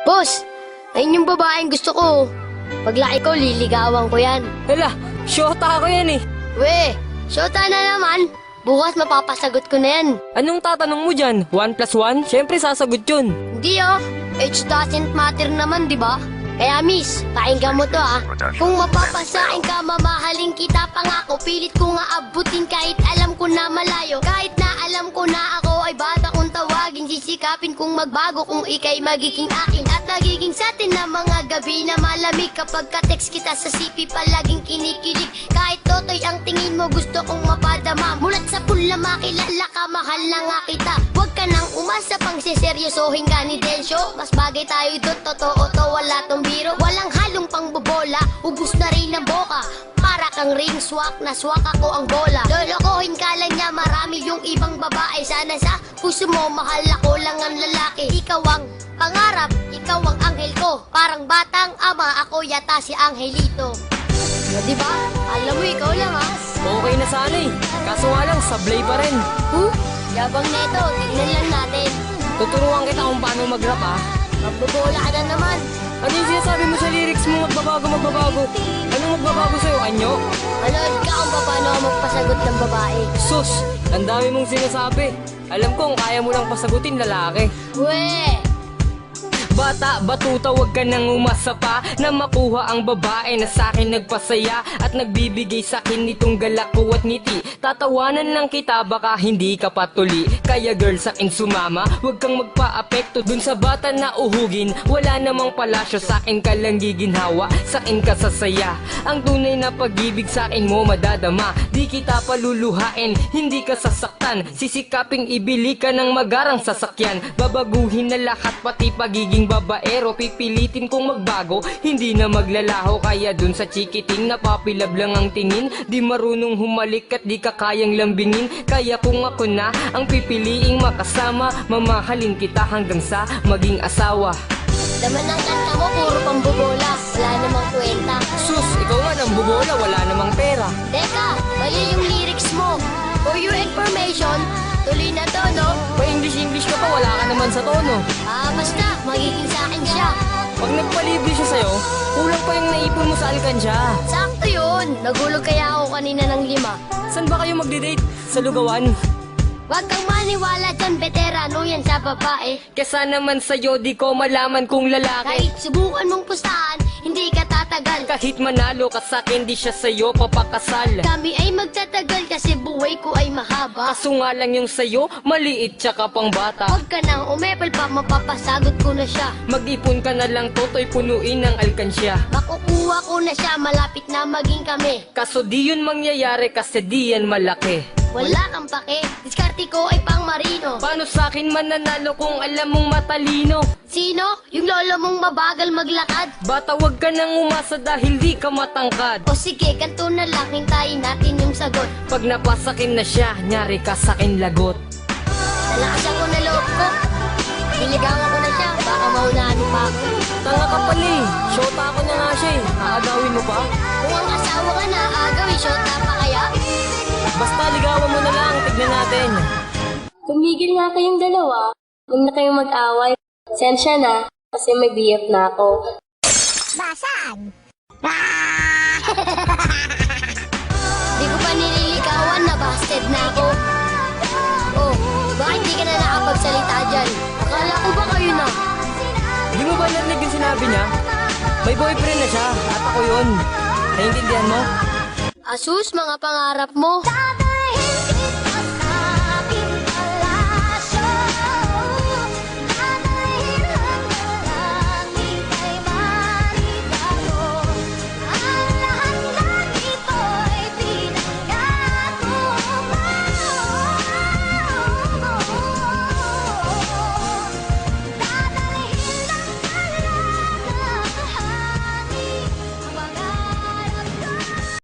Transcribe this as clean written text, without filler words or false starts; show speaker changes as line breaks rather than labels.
Boss, ayun yung babaeng gusto ko. Paglaki ko, liligawan ko yan.
Hala, syota ako yan eh.
We, syota na naman. Bukas mapapasagot ko na yan.
Anong tatanong mo dyan? 1 plus 1? Siyempre sasagot yun.
Hindi oh, age doesn't matter naman, di ba? Kaya miss, pakinggan mo to ah. Kung mapapasain ka, mamahalin kita pangako. Pilit ko nga abutin kahit alam ko na malayo. Kahit na alam ko na ako ay bata kong tawagin. Sisikapin kung magbago kung ikay magiging akin. At nagiging sa atin na mga gabi na malamig. Kapag ka-text kita sa CP palaging kinikilig. Kahit totoy ang tingin mo gusto kong mapadama. Mulat sa pula makilala ka, mahal na nga kita. Huwag ka nang umasa pang siseryosohin ka ni Densyo. Mas bagay tayo doon, totoo to, wala tong biro. Walang halong pangbobola, ubus na rin ang boka. Para kang ring swak, na swak ako ang bola. Lolokohin ka lang niya, marami yung ibang babae. Sana sa puso mo, mahal ako lang ang lalaki. Ikaw ang pangarap, ikaw ang anghel ko. Parang batang ama, ako yata si Angelito. Diba? Alam mo, ikaw lang ha.
Okay na sana eh. Kaso nga lang, sablay pa rin.
Yabang neto, tignan lang natin.
Tuturuan kita kung paano mag-rap ah.
Magbobola ka na naman.
Ano yung sinasabi mo sa lyrics mo? Magbabago. Anong magbabago sa'yo, anyo?
Manood ka kung paano ako magpasagot ng babae.
Sus, ang dami mong sinasabi. Alam ko kung kaya mo lang pasagutin lalaki.
We!
Bata, batuta, wag ka nang umasa pa na makuha ang babae na sa'kin nagpasaya at nagbibigay sa'kin nitong galak ko at ngiti. Tatawanan lang kita, baka hindi ka patuli. Kaya girl, sa'kin sumama, wag kang magpa-apekto dun sa bata na uhugin. Wala namang palasyo, sa'kin ka lang giginhawa, sa'kin ka sasaya. Ang tunay na pag-ibig sa'kin mo madadama. Di kita paluluhain, hindi ka sasaktan. Sisikaping ibili ka ng magarang sasakyan. Babaguhin na lahat, pati pagiging babaero. Pipilitin kong magbago, hindi na maglalaho. Kaya dun sa chikiting napapilab lang ang tingin. Di marunong humalik at di ka kayang lambingin. Kaya kung ako na ang pipiliing makasama, mamahalin kita hanggang sa maging asawa.
Laman ng kanta mo, puro pambobola. Wala namang kwenta.
Sus, ikaw nga nang bubola, wala namang pera.
Teka, mali yung lyrics mo. For your information, tuloy na to, no?
Pa-English ka pa, wala ka naman sa tono.
Basta, magiging sa akin siya.
Pag nagpalibre siya sa'yo, kulang pa yung naipon mo sa alkansya.
Sakto yun. Nagulog kaya ako kanina ng 5.
Saan ba kayo magde-date? Sa lugawan?
Huwag kang maniwala dyan, veterano yan sa babae.
Kesa naman sa'yo, di ko malaman kung lalaki.
Kahit subukan mong pustahan, hindi ka tatagal.
Kahit manalo ka sa'kin, di siya sa'yo papakasal.
Kami ay magtatagal kasi buhay ko ay mahaba.
Kaso nga lang yung sa'yo, maliit tsaka pang bata.
Huwag ka nang umepal pa, mapapasagot ko na siya.
Mag-ipon ka na lang, toto'y punuin ng alkansya.
Makukuha ko na siya, malapit na maging kami.
Kaso di yun mangyayari kasi di yan malaki.
Wala kang pake, diskarte ko ay pang marino.
Paano sa'kin mananalo kung alam mong matalino?
Sino? Yung lolo mong mabagal maglakad?
Bata, wag ka nang umasa dahil di ka matangkad.
O sige, kanto na lang, hintayin natin yung sagot.
Pag napasakin na siya, nyari ka sa'kin lagot.
Nalakasan ko na loob ko. Niligawan ko na siya, baka maunahan mo pa ako.
Tanga ka pala eh, shota ako na nga siya eh. Aagawin mo pa?
Kung ang asawa ka na, agawin, shota pa kaya?
Basta ligawan mo na lang, tignan natin.
Tumigil nga kayong dalawa. Huwag na kayong mag-away. Sensya na, kasi may BF na ako.
Di ko pa nililigawan, nabasted na ako. Oh, bakit di ka na nakapagsalita dyan? Akala ko ba kayo na?
Di mo ba narinig yung sinabi niya? May boyfriend na siya, at ako yun. Naiintindihan mo?
Asus, mga pangarap mo.